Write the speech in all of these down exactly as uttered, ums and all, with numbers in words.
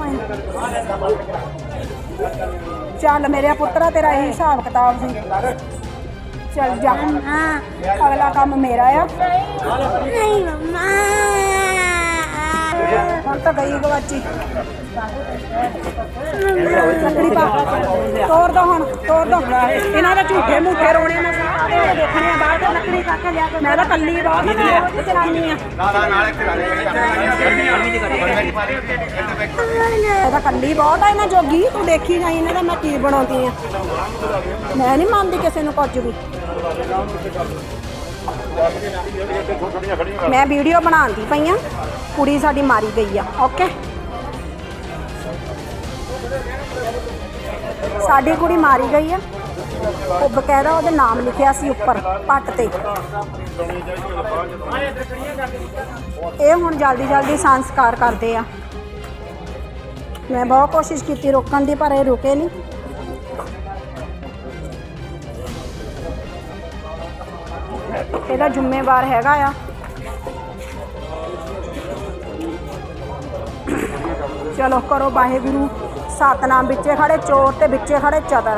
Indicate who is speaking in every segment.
Speaker 1: चल मेरे पुत्रा तेरा यही हिसाब किताब सी। चल जा, अगला काम मेरा है। हम तो गई गवाची लकड़ी पा तोड़ दो हम तोड़ दो इन्हों के झूठे मूठे रोने में देखने बाहर लकड़ी तक जाके मैं तो कली बहुत चलानी है कली बहुत है इन्हें जोगी तू देखी जाई इन्हें मैं की बनाती हाँ मैं नहीं मानती किसी को कुछ भी मैं वीडियो बनाती पई हाँ कुड़ी साडी मारी गई है ओके साडी कुड़ी मारी गई है वो बकायदा वो नाम लिखिया सी उपर पट ते ये हुण जल्दी जल्दी संस्कार करते हैं मैं बहुत कोशिश की रोकन की पर ये रुके नहीं ਇਹਦਾ ਜ਼ਿੰਮੇਵਾਰ ਹੈਗਾ ਆ ਚਲੋ ਕਰੋ ਵਾਹਿਗੁਰੂ ਸਤਨਾਮ ਵਿੱਚੇ ਖੜੇ ਚੋਰ ਤੇ ਵਿੱਚੇ ਖੜੇ ਚਤਰ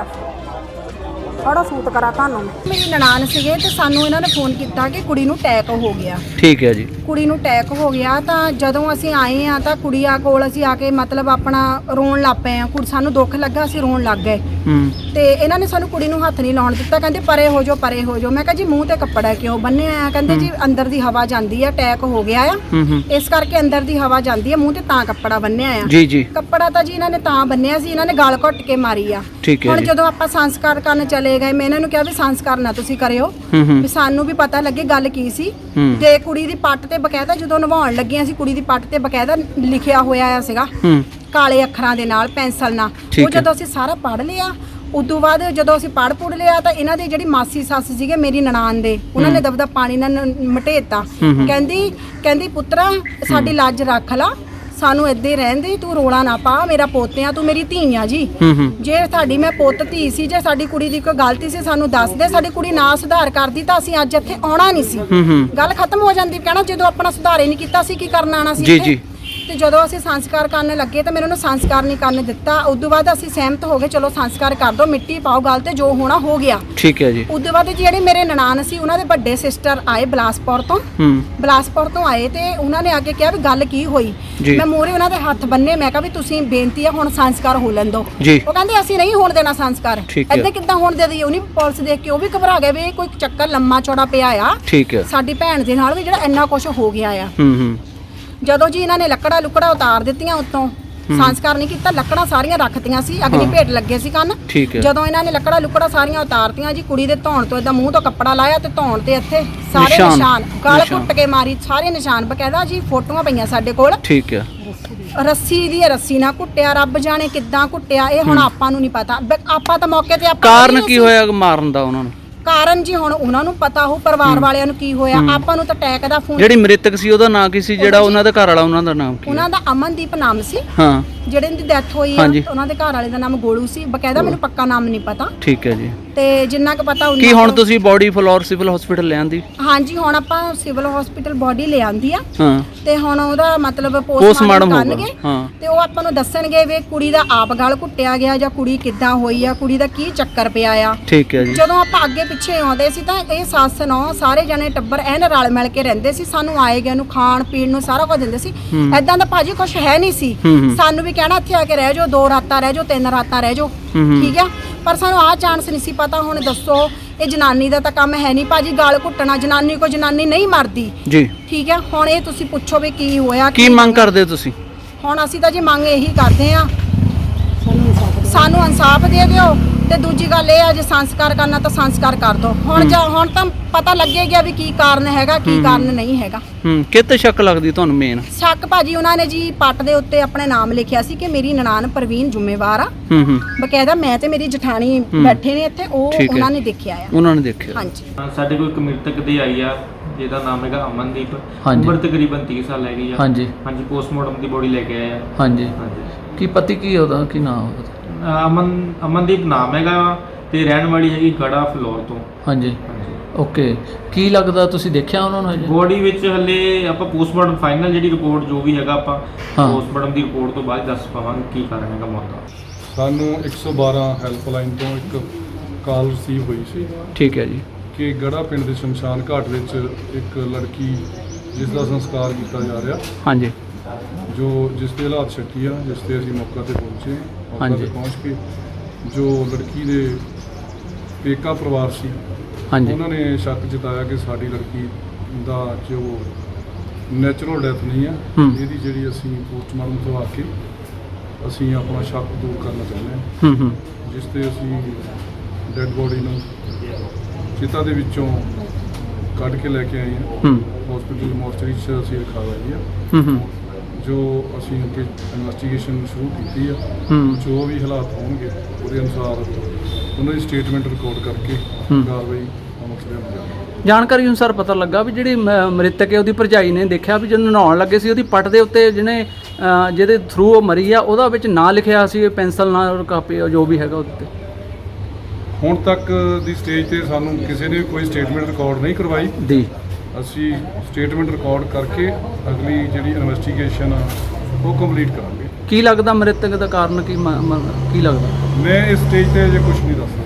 Speaker 1: ਬੜਾ ਸੂਤ ਕਰਾ ਤੁਹਾਨੂੰ ਮੇਰੀ ਨਨਾਣ ਸੀਗੇ ਤੇ ਸਾਨੂੰ ਇਹਨਾਂ ਨੇ ਫੋਨ ਕੀਤਾ ਕਿ ਕੁੜੀ ਨੂੰ ਅਟੈਕ ਹੋ ਗਿਆ
Speaker 2: ਠੀਕ ਹੈ ਜੀ
Speaker 1: ਕੁੜੀ ਨੂੰ ਅਟੈਕ ਹੋ ਗਿਆ ਤਾਂ ਜਦੋਂ ਅਸੀਂ ਆਏ ਆ ਤਾਂ ਕੁੜੀਆਂ ਕੋਲ ਅਸੀਂ ਆ ਕੇ ਮਤਲਬ ਆਪਣਾ ਰੋਣ ਲੱਗ ਪਏ ਆ ਕੁੜੀ ਸਾਨੂੰ ਦੁੱਖ ਲੱਗਾ ਅਸੀਂ ਰੋਣ ਲੱਗ ਗਏ
Speaker 2: ਹੂੰ
Speaker 1: ਤੇ ਇਹਨਾਂ ਨੇ ਸਾਨੂੰ ਕੁੜੀ ਨੂੰ ਹੱਥ ਨਹੀਂ ਲਾਉਣ ਦਿੱਤਾ ਕਹਿੰਦੇ ਪਰੇ ਹੋ ਜਾਓ ਪਰੇ ਹੋ ਜਾਓ ਮੈਂ ਕਿਹਾ ਜੀ ਮੂੰਹ ਤੇ ਕੱਪੜਾ ਕਿਉਂ ਬੰਨਿਆ ਆ ਕਹਿੰਦੇ ਜੀ ਅੰਦਰ ਦੀ ਹਵਾ ਜਾਂਦੀ ਆ ਅਟੈਕ ਹੋ ਗਿਆ ਆ ਇਸ ਕਰਕੇ ਅੰਦਰ ਦੀ ਹਵਾ ਜਾਂਦੀ ਆ ਮੂੰਹ ਤੇ ਤਾਂ ਕੱਪੜਾ ਬੰਨਿਆ ਆ
Speaker 2: ਜੀ ਜੀ
Speaker 1: ਕੱਪੜਾ ਤਾਂ ਜੀ ਇਹਨਾਂ ਨੇ ਤਾਂ ਬੰਨਿਆ ਸੀ ਇਹਨਾਂ ਨੇ ਗਲ ਘੁੱਟ ਕੇ ਮਾਰੀ ਆ ਹੁਣ ਜਦੋਂ ਆਪਾਂ ਸੰਸਕਾਰ ਕਰਨ ਚਲੇ ਗਏ ਮੈਂ ਇਹਨਾਂ ਨੂੰ ਕਿਹਾ ਵੀ ਸੰਸਕਾਰ ਨਾ ਤੁਸੀਂ ਕਰਿਓ ਵੀ ਸਾਨੂੰ ਵੀ ਪਤਾ ਲੱਗੇ ਗੱਲ ਕੀ ਸੀ ਤੇ ਕੁੜੀ ਦੀ ਪੱਟ ਤੇ ਬਕਾਇਦਾ ਜਦੋਂ ਨਵਾਉਣ ਲੱਗੀਆਂ ਸੀ ਕੁੜੀ ਦੀ ਪੱਟ ਤੇ ਬਕਾਇਦਾ ਲਿਖਿਆ ਹੋਇਆ ਆ ਸੀਗਾ ਕਾਲੇ ਅੱਖਰਾਂ ਦੇ ਨਾਲ ਪੈਨਸਲ ਨਾਲ ਉਹ ਜਦੋਂ ਅਸੀਂ ਸਾਰਾ ਪੜ੍ਹ ਲਿਆ ਉਦੋਂ ਬਾਅਦ ਜਦੋਂ ਅਸੀਂ ਪੜ੍ਹ ਪੁੜ ਲਿਆ ਤਾਂ ਇਹਨਾਂ ਦੀ ਜਿਹੜੀ ਮਾਸੀ ਸੱਸ ਸੀਗੇ ਮੇਰੀ ਨਨਾਣ ਦੇ ਉਹਨਾਂ ਨੇ ਦਬਦਾ ਪਾਣੀ ਨਾਲ ਮਟੇਤਾ ਕਹਿੰਦੀ ਕਹਿੰਦੀ ਪੁੱਤਰਾ ਸਾਡੀ ਲੱਜ ਰੱਖ ਲਾ ਸਾਨੂੰ ਇੱਦਾਂ ਹੀ ਰਹਿਣ ਦੇ ਤੂੰ ਰੋਲਾ ਨਾ ਪਾ ਮੇਰਾ ਪੋਤਿਆਂ ਤੂੰ ਮੇਰੀ ਧੀ ਆ ਜੀ ਜੇ ਸਾਡੀ ਮੈਂ ਪੁੱਤ ਧੀ ਸੀ ਜੇ ਸਾਡੀ ਕੁੜੀ ਦੀ ਕੋਈ ਗਲਤੀ ਸੀ ਸਾਨੂੰ ਦੱਸ ਦੇ ਸਾਡੀ ਕੁੜੀ ਨਾ ਸੁਧਾਰ ਕਰਦੀ ਤਾਂ ਅਸੀਂ ਅੱਜ ਇੱਥੇ ਆਉਣਾ ਨਹੀਂ ਸੀ ਗੱਲ ਖਤਮ ਹੋ ਜਾਂਦੀ ਕਹਿਣਾ ਜਦੋਂ ਆਪਣਾ ਸੁਧਾਰ ਹੀ ਨਹੀਂ ਕੀਤਾ ਸੀ ਕੀ ਕਰਨ ਆਣਾ ਸੀ
Speaker 2: ਜੀ ਜੀ
Speaker 1: ਤੇ ਜਦੋਂ ਅਸੀਂ ਸੰਸਕਾਰ ਕਰਨ ਲੱਗੇ ਤਾਂ ਮੈਨੂੰ ਸੰਸਕਾਰ ਨਹੀਂ ਕਰਨ ਦਿੱਤਾ ਉਦੋਂ ਬਾਅਦ ਅਸੀਂ ਸਹਿਮਤ ਹੋ ਗਏ ਚਲੋ ਸੰਸਕਾਰ ਕਰ ਦੋ ਮਿੱਟੀ ਪਾਓ ਗੱਲ ਤੇ ਜੋ ਹੋਣਾ ਹੋ ਗਿਆ
Speaker 2: ਠੀਕ ਹੈ ਜੀ
Speaker 1: ਉਦੋਂ ਬਾਅਦ ਜਿਹੜੇ ਮੇਰੇ ਨਨਾਣ ਸੀ ਉਹਨਾਂ ਦੇ ਵੱਡੇ ਸਿਸਟਰ ਆਏ ਬਲਾਸਪੁਰ ਤੋਂ ਬਲਾਸਪੁਰ ਤੋਂ ਆਏ ਤੇ ਉਹਨਾਂ ਨੇ ਆ ਕੇ ਕਿਹਾ ਵੀ ਗੱਲ ਕੀ ਹੋਈ ਮੈਂ ਮੋਰੇ ਉਹਨਾਂ ਦੇ ਹੱਥ ਬੰਨੇ ਮੈਂ ਕਿਹਾ ਵੀ ਤੁਸੀਂ ਬੇਨਤੀ ਆ ਹੁਣ ਸੰਸਕਾਰ ਹੋ ਲੈਣ ਦਿਓ ਉਹ ਕਹਿੰਦੇ ਅਸੀਂ ਨਹੀਂ ਹੋਣ ਦੇਣਾ ਸੰਸਕਾਰ ਏਦਾਂ ਕਿੱਦਾਂ ਹੋਣ ਦੇ ਦਈਏ ਉਹਨੀ ਪੁਲਿਸ ਦੇਖ ਕੇ ਉਹ ਵੀ ਘਬਰਾ ਗਏ ਵੀ ਕੋਈ ਚੱਕਰ ਲੰਮਾ ਚੌੜਾ ਪਿਆ ਆ ਸਾਡੀ ਭੈਣ ਦੇ ਨਾਲ ਵੀ ਜਿਹੜਾ ਇੰਨਾ ਕੁਝ ਹੋ ਗਿਆ ਆ ਜਦੋਂ ਜੀ ਇਹਨਾਂ ਨੇ ਲੱਕੜਾ ਲੁਕੜਾ ਉਤਾਰ ਦਿੱਤੀਆਂ ਉੱਤੋਂ ਸੰਸਕਾਰ ਨਹੀਂ ਕੀਤਾ ਲੱਕੜਾਂ ਸਾਰੀਆਂ ਰੱਖਤੀਆਂ ਸੀ ਅਗਨੀ ਭੇਟ ਲੱਗੇ ਸੀ ਕੰਨ ਜਦੋਂ ਇਹਨਾਂ ਨੇ ਲੱਕੜਾ ਲੁਕੜਾ ਸਾਰੀਆਂ ਉਤਾਰਤੀਆਂ ਜੀ ਕੁੜੀ ਦੇ ਧੌਣ ਤੋਂ ਇਦਾਂ ਮੂੰਹ ਤੋਂ ਕੱਪੜਾ ਲਾਇਆ ਤੇ ਧੌਣ ਤੇ ਇੱਥੇ ਸਾਰੇ ਨਿਸ਼ਾਨ ਗਲ ਘੁੱਟ ਕੇ ਮਾਰੀ ਸਾਰੇ ਨਿਸ਼ਾਨ ਬਕਾਇਦਾ ਜੀ ਫੋਟੋਆਂ ਪਈਆਂ ਸਾਡੇ ਕੋਲ
Speaker 2: ਠੀਕ ਹੈ
Speaker 1: ਰੱਸੀ ਦੀ ਰੱਸੀ ਨਾਲ ਕੁੱਟਿਆ ਰੱਬ ਜਾਣੇ ਕਿੱਦਾਂ ਕੁੱਟਿਆ ਇਹ ਹੁਣ ਆਪਾਂ ਨੂੰ ਨਹੀਂ ਪਤਾ ਆਪਾਂ ਤਾਂ ਮੌਕੇ ਤੇ ਆਪਾਂ
Speaker 2: ਕਾਰਨ ਕੀ ਹੋਇਆ ਮਾਰਨ ਦਾ ਉਹਨਾਂ ਨੂੰ
Speaker 1: ਕਾਰਨ ਜੀ ਹੁਣ ਉਹਨਾਂ ਨੂੰ ਪਤਾ ਹੋ ਪਰਿਵਾਰ ਵਾਲਿਆਂ ਨੂੰ ਕੀ ਹੋਇਆ ਆਪਾਂ ਨੂੰ ਤਾਂ ਅਟੈਕ ਦਾ ਫੋਨ
Speaker 2: ਜਿਹੜੀ ਮ੍ਰਿਤਕ ਸੀ ਉਹਦਾ ਨਾਂ ਕੀ ਸੀ ਜਿਹੜਾ ਉਹਨਾਂ ਦਾ ਘਰ ਵਾਲਾ ਉਹਨਾਂ ਦਾ ਨਾਮ ਕੀ
Speaker 1: ਉਹਨਾਂ ਦਾ ਅਮਨਦੀਪ ਨਾਮ ਸੀ
Speaker 2: ਹਾਂ ਜਿਹੜੇ
Speaker 1: ਦੀ ਡੈਥ ਹੋਈ ਆ ਉਹਨਾਂ ਦੇ ਘਰ ਵਾਲੇ ਦਾ ਨਾਮ ਗੋਲੂ ਸੀ ਬਕਾਇਦਾ ਮੈਨੂੰ ਪੱਕਾ ਨਾਮ ਨਹੀਂ ਪਤਾ
Speaker 2: ਠੀਕ ਹੈ ਜੀ
Speaker 1: ਤੇ ਜਿੰਨਾ ਕੁ ਪਤਾ ਉਹਨਾਂ
Speaker 2: ਕੀ ਹੁਣ ਤੁਸੀਂ ਬੋਡੀ ਫਲੋਰ ਸਿਵਲ ਹਸਪੀਟਲ ਲੈ ਆਂਦੀ
Speaker 1: ਹਾਂਜੀ ਹੁਣ ਆਪਾਂ ਸਿਵਲ ਹਸਪੀਟਲ ਬੋਡੀ ਲੈ ਆਂਦੀ ਆ
Speaker 2: ਹਾਂ
Speaker 1: ਤੇ ਹੁਣ ਉਹਦਾ ਮਤਲਬ ਪੋਸਟਮਾਰਟਮ ਕਰਨਗੇ ਤੇ ਉਹ ਆਪਾਂ ਨੂੰ ਦੱਸਣਗੇ ਵੀ ਕੁੜੀ ਦਾ ਆਪ ਗਲ ਘੁੱਟਿਆ ਗਿਆ ਜਾਂ ਕੁੜੀ ਕਿੱਦਾਂ ਹੋਈ ਆ ਕੁੜੀ ਦਾ ਕੀ ਚੱਕਰ ਪਿਆ ਆ
Speaker 2: ਠੀਕ ਹੈ ਜੀ
Speaker 1: ਜਦੋਂ ਆਪਾਂ ਅੱਗੇ ਪਿੱਛੇ ਆਉਂਦੇ ਸੀ ਤਾਂ ਇਹ ਸੱਸ ਨੌ ਸਾਰੇ ਜਣੇ ਟੱਬਰ ਐਨ ਰਲ ਮਿਲ ਕੇ ਰਹਿੰਦੇ ਸੀ ਸਾਨੂੰ ਆਏ ਗਏ ਨੂੰ ਖਾਣ ਪੀਣ ਨੂੰ ਸਾਰਾ ਕੁਝ ਦਿੰਦੇ ਸੀ ਐਦਾਂ ਦਾ ਭਾਜੀ ਕੁਛ ਹੈ ਨਹੀਂ ਸੀ ਸਾਨੂੰ ਵੀ ਕਹਿਣਾ ਇੱਥੇ ਆ ਕੇ ਰਹਿ ਜਾਓ ਦੋ ਰਾਤਾਂ ਰਹਿ ਜਾਓ ਤਿੰਨ ਰਾਤਾਂ ਰਹਿ ਜਾਓ ਠੀਕ ਆ ਪਰ ਸਾਨੂੰ ਆਹ ਚਾਂਸ ਨਹੀਂ ਸੀ ਪਤਾ ਹੁਣ ਦੱਸੋ ਇਹ ਜਨਾਨੀ ਦਾ ਤਾਂ ਕੰਮ ਹੈ ਨਹੀਂ ਭਾਜੀ ਗਾਲ ਘੁੱਟਣਾ ਜਨਾਨੀ ਕੋ ਜਨਾਨੀ ਨਹੀਂ ਮਰਦੀ ਜੀ ਠੀਕ ਆ ਹੁਣ ਇਹ ਤੁਸੀਂ ਪੁੱਛੋ ਵੀ ਕੀ ਹੋਇਆ
Speaker 2: ਕੀ ਮੰਗ ਕਰਦੇ ਹੋ ਤੁਸੀਂ
Speaker 1: ਹੁਣ ਅਸੀਂ ਤਾਂ ਜੀ ਮੰਗ ਇਹੀ ਕਰਦੇ ਆ ਸਾਨੂੰ ਇਨਸਾਫ ਦੇ ਦਿਓ ਤੇ ਦੂਜੀ ਗੱਲ ਇਹ ਆ ਜੇ ਸੰਸਕਾਰ ਕਰਨਾ ਤਾਂ ਸੰਸਕਾਰ ਕਰ ਦੋ ਹੁਣ ਜਾਂ ਹੁਣ ਤਾਂ ਪਤਾ ਲੱਗੇਗਾ ਵੀ ਕੀ ਕਾਰਨ ਹੈਗਾ ਕੀ ਕਾਰਨ ਨਹੀਂ ਹੈਗਾ
Speaker 2: ਹੂੰ ਕਿਤੇ ਸ਼ੱਕ ਲੱਗਦੀ ਤੁਹਾਨੂੰ ਮੇਨ
Speaker 1: ਸ਼ੱਕ ਭਾਜੀ ਉਹਨਾਂ ਨੇ ਜੀ ਪੱਟ ਦੇ ਉੱਤੇ ਆਪਣੇ ਨਾਮ ਲਿਖਿਆ ਸੀ ਕਿ ਮੇਰੀ ਨਨਾਣ ਪ੍ਰਵੀਨ ਜ਼ਿੰਮੇਵਾਰ ਆ ਹੂੰ ਹੂੰ ਬਕਾਇਦਾ ਮੈਂ ਤੇ ਮੇਰੀ ਜਠਾਣੀ ਬੈਠੇ ਨੇ ਇੱਥੇ ਉਹ ਉਹਨਾਂ ਨੇ ਦੇਖਿਆ ਆ
Speaker 2: ਉਹਨਾਂ ਨੇ ਦੇਖਿਆ
Speaker 1: ਹਾਂਜੀ
Speaker 3: ਸਾਡੇ ਕੋਲ ਇੱਕ ਮ੍ਰਿਤਕ ਦੇ ਆਈ ਆ ਜਿਹਦਾ ਨਾਮ ਹੈਗਾ ਅਮਨਦੀਪ ਉਮਰ ਤਕਰੀਬਨ ਤੀਹ ਸਾਲ ਹੈਗੀ ਆ ਹਾਂਜੀ ਹਾਂਜੀ ਪੋਸਟਮਾਰਟਮ ਦੀ ਬੋਡੀ ਲੈ ਕੇ ਆਏ ਆ ਹਾਂਜੀ ਹਾਂਜੀ
Speaker 2: ਕੀ ਪਤੀ ਕੀ ਉਹਦਾ ਕੀ ਨਾਮ ਉਹਦਾ
Speaker 3: ਅਮਨ ਅਮਨਦੀਪ ਨਾਮ ਹੈਗਾ ਤੇ ਰਹਿਣ ਵਾਲੀ ਹੈਗੀ ਗੜਾ ਫਲੋਰ ਤੋਂ
Speaker 2: ਹਾਂਜੀ ਓਕੇ, ਕੀ ਲੱਗਦਾ ਤੁਸੀਂ ਦੇਖਿਆ ਉਹਨਾਂ ਨੂੰ ਹਜੇ?
Speaker 3: ਬੋਡੀ ਵਿੱਚ ਹਲੇ ਆਪਾਂ ਪੋਸਟਮਾਰਟਮ ਫਾਈਨਲ ਜਿਹੜੀ ਰਿਪੋਰਟ ਜੋ ਵੀ ਹੈਗਾ ਆਪਾਂ
Speaker 2: ਹਾਂ।
Speaker 3: ਪੋਸਟਮਾਰਟਮ ਦੀ ਰਿਪੋਰਟ ਤੋਂ ਬਾਅਦ ਦੱਸ ਪਾਵਾਂਗੇ ਕੀ ਕਾਰਨ ਹੈਗਾ ਮੌਤ ਦਾ।
Speaker 4: ਸਾਨੂੰ ਇੱਕ ਸੌ ਬਾਰਾਂ ਹੈਲਪਲਾਈਨ ਤੋਂ ਇੱਕ ਕਾਲ ਰਿਸੀਵ ਹੋਈ ਸੀ
Speaker 2: ਠੀਕ ਹੈ ਜੀ।
Speaker 4: ਕਿ ਗੜਾ ਪਿੰਡ ਦੇ ਸ਼ਮਸ਼ਾਨ ਘਾਟ ਵਿੱਚ ਇੱਕ ਲੜਕੀ ਜਿਸ ਦਾ ਸੰਸਕਾਰ ਕੀਤਾ ਜਾ ਰਿਹਾ,
Speaker 2: ਹਾਂਜੀ
Speaker 4: ਜੋ ਜਿਸ ਦੇ ਹਾਲਾਤ ਸ਼ੱਕੀ ਆ, ਜਿਸ ਤੇ ਅਸੀਂ ਮੌਕੇ ਤੇ ਪਹੁੰਚੇ। ਮੌਕੇ
Speaker 2: ਹਾਂਜੀ।
Speaker 4: ਤੇ ਪਹੁੰਚ ਕੇ ਜੋ ਲੜਕੀ ਦੇ ਪੇਕਾ ਪਰਿਵਾਰ ਸੀ
Speaker 2: ਹਾਂਜੀ
Speaker 4: ਉਹਨਾਂ ਨੇ ਸ਼ੱਕ ਜਤਾਇਆ ਕਿ ਸਾਡੀ ਲੜਕੀ ਦਾ ਜੋ ਨੈਚੁਰਲ ਡੈਥ ਨਹੀਂ ਆ,
Speaker 2: ਹੂੰ।
Speaker 4: ਇਹਦੀ ਜਿਹੜੀ ਅਸੀਂ ਪੋਸਟਮਾਰਟਮ ਕਰਵਾ ਕੇ ਅਸੀਂ ਆਪਣਾ ਸ਼ੱਕ ਦੂਰ ਕਰਨਾ ਚਾਹੁੰਦੇ ਹਾਂ,
Speaker 2: ਹੂੰ ਹੂੰ
Speaker 4: ਜਿਸ ਤੇ ਅਸੀਂ ਡੈੱਡ ਬੋਡੀ ਨੂੰ ਚਿਤਾ ਦੇ ਵਿੱਚੋਂ ਕੱਢ ਕੇ ਲੈ ਕੇ ਆਏ ਹਾਂ।
Speaker 2: ਹੂੰ
Speaker 4: ਹਸਪੀਟਲ ਮੋਰਚਰੀ 'ਚ ਅਸੀਂ ਰਖਾ ਲਈ ਆ,
Speaker 2: ਹੂੰ ਹੂੰ
Speaker 4: ਜੋ ਅਸੀਂ ਅੱਗੇ ਇਨਵੈਸਟੀਗੇਸ਼ਨ ਸ਼ੁਰੂ ਕੀਤੀ ਆ।
Speaker 2: ਹੂੰ
Speaker 4: ਜੋ ਵੀ ਹਾਲਾਤ ਹੋਣਗੇ ਉਹਦੇ ਅਨੁਸਾਰ ਉਹਨਾਂ ਦੀ ਸਟੇਟਮੈਂਟ ਰਿਕਾਰਡ ਕਰਕੇ
Speaker 2: ਹੂੰ।
Speaker 4: ਕਾਰਵਾਈ ਅਮਲ 'ਚ ਲਿਆਂਦੀ ਜਾਵੇਗੀ।
Speaker 2: ਜਾਣਕਾਰੀ ਅਨੁਸਾਰ ਪਤਾ ਲੱਗਾ ਵੀ ਜਿਹੜੀ ਮ- ਮ੍ਰਿਤਕ ਹੈ ਉਹਦੀ ਭਰਜਾਈ ਨੇ ਦੇਖਿਆ ਵੀ ਜਦੋਂ ਨਹਾਉਣ ਲੱਗੇ ਸੀ ਉਹਦੀ ਪੱਟ ਦੇ ਉੱਤੇ ਜਿਹਨੇ ਅ, ਜਿਹਦੇ ਥਰੂ ਉਹ ਮਰੀ ਆ ਉਹਦਾ ਵਿੱਚ ਨਾਂ ਲਿਖਿਆ ਸੀ ਪੈਨਸਲ ਨਾਲ, ਕਾਪੀ ਜੋ ਵੀ ਹੈਗਾ ਉਹਦੇ ਤੇ।
Speaker 4: ਹੁਣ ਤੱਕ ਦੀ ਸਟੇਜ ਤੇ ਸਾਨੂੰ ਕਿਸੇ ਨੇ ਕੋਈ ਸਟੇਟਮੈਂਟ ਰਿਕਾਰਡ ਨਹੀਂ ਕਰਵਾਈ।
Speaker 2: ਦੀ
Speaker 4: ਅਸੀਂ ਸਟੇਟਮੈਂਟ ਰਿਕਾਰਡ ਕਰਕੇ ਅਗਲੀ ਜਿਹੜੀ ਇਨਵੈਸਟੀਗੇਸ਼ਨ ਆ ਉਹ ਕੰਪਲੀਟ ਕਰਾਂਗੇ।
Speaker 2: ਕੀ ਲੱਗਦਾ ਮ੍ਰਿਤਕ ਦਾ ਕਾਰਨ ਕੀ ਮ- ਮ- ਕੀ ਲੱਗਦਾ?
Speaker 4: ਮੈਂ ਇਸ ਸਟੇਜ ਤੇ ਅਜੇ ਕੁਝ ਨਹੀਂ ਦੱਸ ਸਕਦਾ।